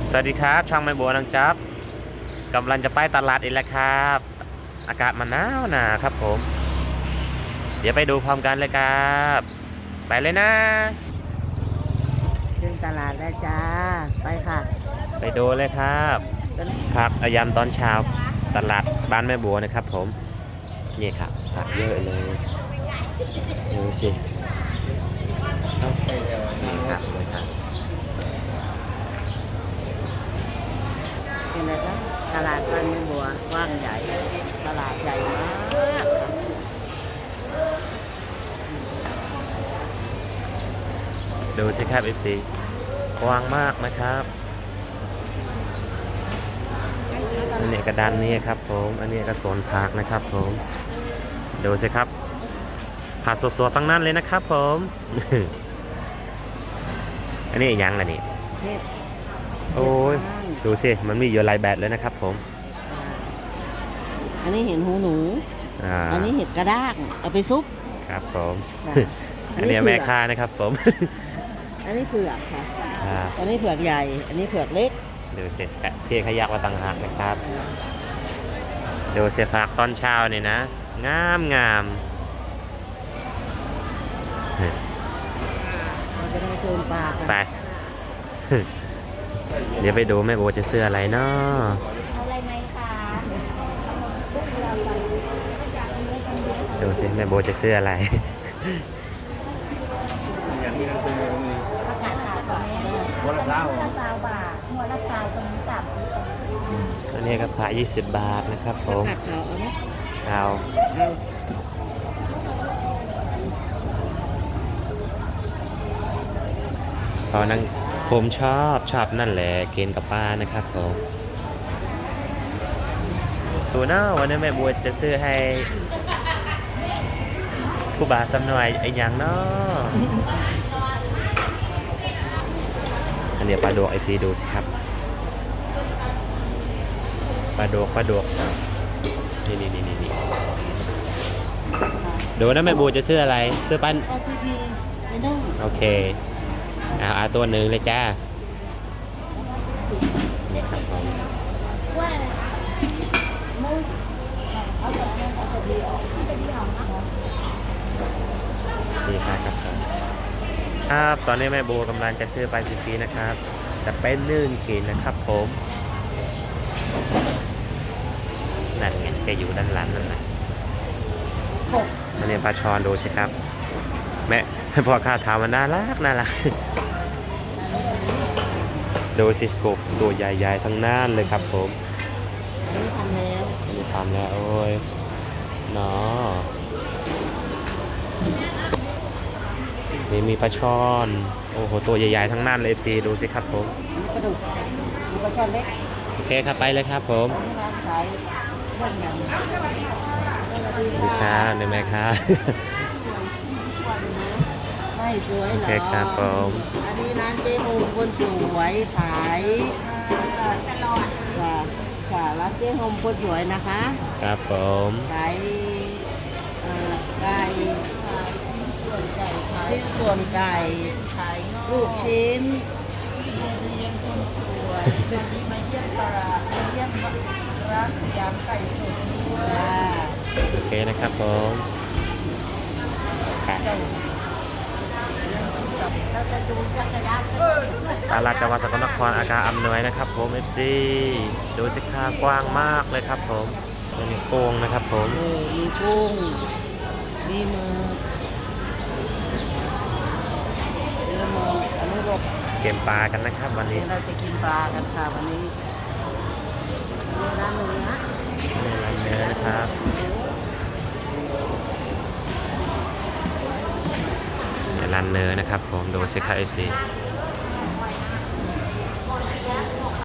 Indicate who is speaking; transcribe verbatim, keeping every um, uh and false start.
Speaker 1: สวัสดีครับช่างไม่บัวนังจับกำลังจะไปตลาดอีกแล้วครับอากาศมันหนาวหนาครับผมเดี๋ยวไปดูพร้อมกันเลยครับไปเลยนะ
Speaker 2: ขึ้นตลาดแล้วจ้าไปค่ะ
Speaker 1: ไปดูเลยครับครับอายามตอนเช้าตลาดบ้านแม่บัวนะครับผมนี่ครับผักเยอะเลยดูสินี่ครับเลยครับ
Speaker 2: เป็นไงครับตลาดบ้านแม่บัวกว้างใหญ่ตลาดใหญ่มาก
Speaker 1: ดูสิครับ เอฟ ซี กว้างมากนะครับอันนี้กระดานนี้ครับผมอันนี้กระสนผักนะครับผมดูสิครับผักสดๆตั้งนั้นเลยนะครับผม อันนี้ยังล่ะนี่โอ้ยดูสิมันมีเยอะหลายแบบเลยนะครับผม
Speaker 2: อันนี้เห็นหูหนูอันนี้เห็ดกระด้างเอาไปซุป
Speaker 1: ครับผมอันนี้แม่ค้านะครับผม
Speaker 2: อันนี้เผือกค่ะอันนี้เผือกใหญ่อันนี้เผือกเล็ก
Speaker 1: ดูสิเพียขยักว่าต่างหากนะครับดูสิผักตอนเช้านี่นะงามงาม
Speaker 2: เราจะได้โซนปลา
Speaker 1: ไปเดี๋ยวไปดูแม่โบจะเสื้ออะไรเนาะ
Speaker 3: อะไรไหมคะ
Speaker 1: ดูสิแม่โบจะเสื้ออะไร
Speaker 3: ประกาศขายก่อนแม่หัวละสาวหัวละสาวบาทหัวละสาวตรงนี้สามสิบ
Speaker 1: อันนี้ก็ขายยี่สิบบาทนะครับผม
Speaker 2: ขาดขาวเอาไหม
Speaker 1: เอาตอนนั้นผมชอบชอบนั่นแหละเกณฑ์กับป้านะครับผมดูเนาะวันนี้แม่บัวจะซื้อให้ผู้บ่าวสำหน่อยไอ้ยังเนาะอันนี้ปลาดวกไอซีดูสิครับปลาดวกปลาดวกนี่นี่นี่นี่ดูนะแม่บัวจะซื้ออะไรซื้อปั้น
Speaker 2: โอ ซี พี ไม่ต้อง
Speaker 1: โอเคเอาเอาตัวหนึ่งเลยจ้านี่ครับผมนี่ครับครับครับตอนนี้แม่โบกำลังจะซื้อไปฟรีๆนะครับแต่เป็นนึ่งกินนะครับผมนั่นไงแกอยู่ด้านหลังนั่นแหละมันเนี่ยปลาชอนดูสิครับแม่พอข้าถามมันน่ารักน่ารักดูสิกบตัวใหญ่ๆทั้งนั้นเลยครับผม
Speaker 2: นี่ทำแล้ว
Speaker 1: นี่ทำแล้วโอ้ยเนาะนี่มีปลาช่อนโอ้โหตัวใหญ่ๆทั้งนั้นเลยสิดูสิครับผม
Speaker 2: ปลาดุกมีปลาช่อนเล็ก
Speaker 1: โอเคครับไปเลยครับผม
Speaker 2: ขายเรื่องอย่าง
Speaker 1: นี่ครับนี่แม่ครับ
Speaker 2: ไม่สวยหรอ
Speaker 1: โอเคครับผม
Speaker 2: อันนี้ร้านเจ๊โฮมคนสวยขายตลอดค่ะค่ะร้านเจ๊โฮมคนสวยนะคะ
Speaker 1: ครับผม
Speaker 2: ขายไก่ชิ้นส่วนไก่ลูกชิ้น
Speaker 3: เรียนคนสวยวันนี้มาเยี่ยมตลาดมาเยี่ยมร้านสยามไก่สดด้วย
Speaker 1: โอเคนะครับผมตลาดจังหวัดสกลนครอาการอำนวยนะครับผม เอฟ ซี ดูสิค่ากว้างมากเลยครับผมมีโป่งนะครับผม
Speaker 2: มีกุ้งมีมือเนื้อมืออันนี้ก็
Speaker 1: เก็บปลากันนะครับวันนี้
Speaker 2: เราจะกินปลากันค่ะวันนี้ร้านเนื้อ
Speaker 1: ร้านเนื้อนะครับร้านเนื้อนะครับผมดูสิครับ เอฟ ซี